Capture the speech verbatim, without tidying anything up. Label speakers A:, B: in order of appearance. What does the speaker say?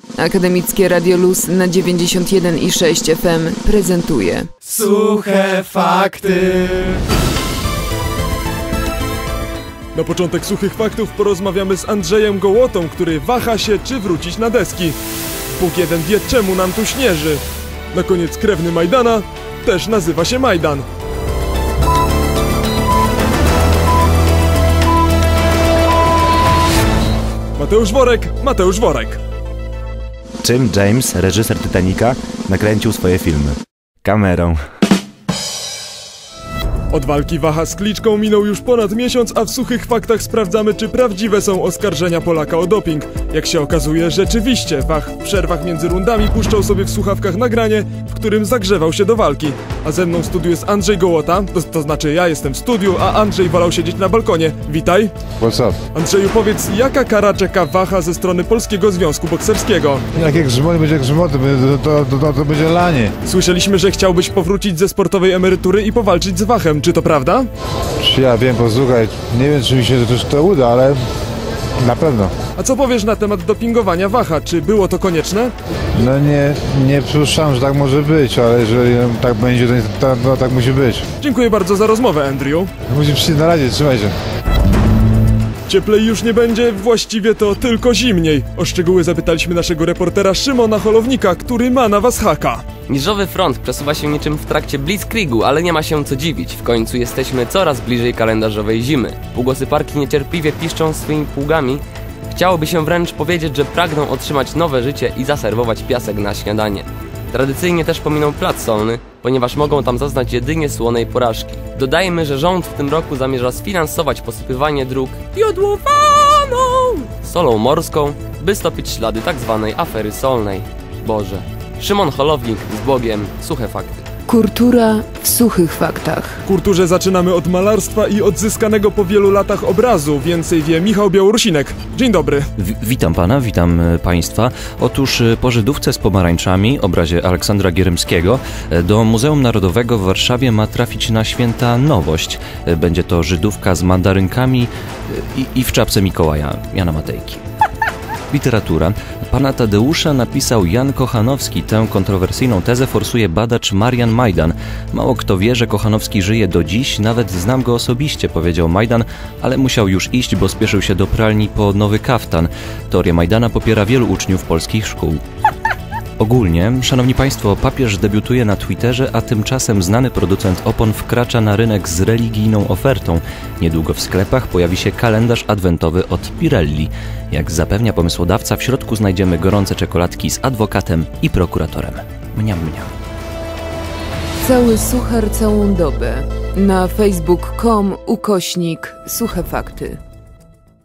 A: Akademickie Radio Luz na dziewięćdziesiąt jeden i sześć F M prezentuje
B: Suche Fakty.
C: Na początek Suchych Faktów porozmawiamy z Andrzejem Gołotą, który waha się, czy wrócić na deski. Bóg jeden wie, czemu nam tu śnieży. Na koniec krewny Majdana też nazywa się Majdan. Mateusz Worek, Mateusz Worek.
D: Czym James, reżyser Titanica, nakręcił swoje filmy? Kamerą.
C: Od walki Waha z Kliczką minął już ponad miesiąc, a w Suchych Faktach sprawdzamy, czy prawdziwe są oskarżenia Polaka o doping. Jak się okazuje, rzeczywiście Wach w przerwach między rundami puszczał sobie w słuchawkach nagranie, w którym zagrzewał się do walki. A ze mną w studiu jest Andrzej Gołota, to, to znaczy ja jestem w studiu, a Andrzej wolał siedzieć na balkonie. Witaj.
E: What's up?
C: Andrzeju, powiedz, jaka kara czeka Waha ze strony Polskiego Związku Bokserskiego?
E: Jak jak grzmot będzie grzmot, to, to, to, to, to będzie lanie.
C: Słyszeliśmy, że chciałbyś powrócić ze sportowej emerytury i powalczyć z Wachem. Czy to prawda?
E: Czy ja wiem, posłuchaj, nie wiem, czy mi się to, to uda, ale na pewno.
C: A co powiesz na temat dopingowania Waha? Czy było to konieczne?
E: No nie, nie przypuszczam, że tak może być, ale jeżeli tak będzie, to, to, to tak musi być.
C: Dziękuję bardzo za rozmowę, Andrew.
E: Musimy przyjść na razie, trzymaj się.
C: Cieplej już nie będzie, właściwie to tylko zimniej. O szczegóły zapytaliśmy naszego reportera Szymona Holownika, który ma na was haka.
F: Niżowy front przesuwa się niczym w trakcie Blitzkriegu, ale nie ma się co dziwić. W końcu jesteśmy coraz bliżej kalendarzowej zimy. Półgłosy parki niecierpliwie piszczą swoimi pługami. Chciałoby się wręcz powiedzieć, że pragną otrzymać nowe życie i zaserwować piasek na śniadanie. Tradycyjnie też pominą plac solny, ponieważ mogą tam zaznać jedynie słonej porażki. Dodajmy, że rząd w tym roku zamierza sfinansować posypywanie dróg jodłowaną solą morską, by stopić ślady tzw. afery solnej. Boże. Szymon Holownik z Bogiem. Suche Fakty.
A: Kultura w Suchych Faktach.
C: W kulturze zaczynamy od malarstwa i odzyskanego po wielu latach obrazu. Więcej wie Michał Białorusinek. Dzień dobry.
G: W witam pana, witam państwa. Otóż po Żydówce z pomarańczami, obrazie Aleksandra Gierymskiego, do Muzeum Narodowego w Warszawie ma trafić na święta nowość. Będzie to Żydówka z mandarynkami i, i w czapce Mikołaja, Jana Matejki. Literatura. Pana Tadeusza napisał Jan Kochanowski. Tę kontrowersyjną tezę forsuje badacz Marian Majdan. Mało kto wie, że Kochanowski żyje do dziś, nawet znam go osobiście, powiedział Majdan, ale musiał już iść, bo spieszył się do pralni po nowy kaftan. Teorię Majdana popiera wielu uczniów polskich szkół. Ogólnie, szanowni państwo, papież debiutuje na Twitterze, a tymczasem znany producent opon wkracza na rynek z religijną ofertą. Niedługo w sklepach pojawi się kalendarz adwentowy od Pirelli. Jak zapewnia pomysłodawca, w środku znajdziemy gorące czekoladki z adwokatem i prokuratorem. Mniam, mniam.
A: Cały suchar całą dobę. Na facebook kropka com ukośnik Suche Fakty.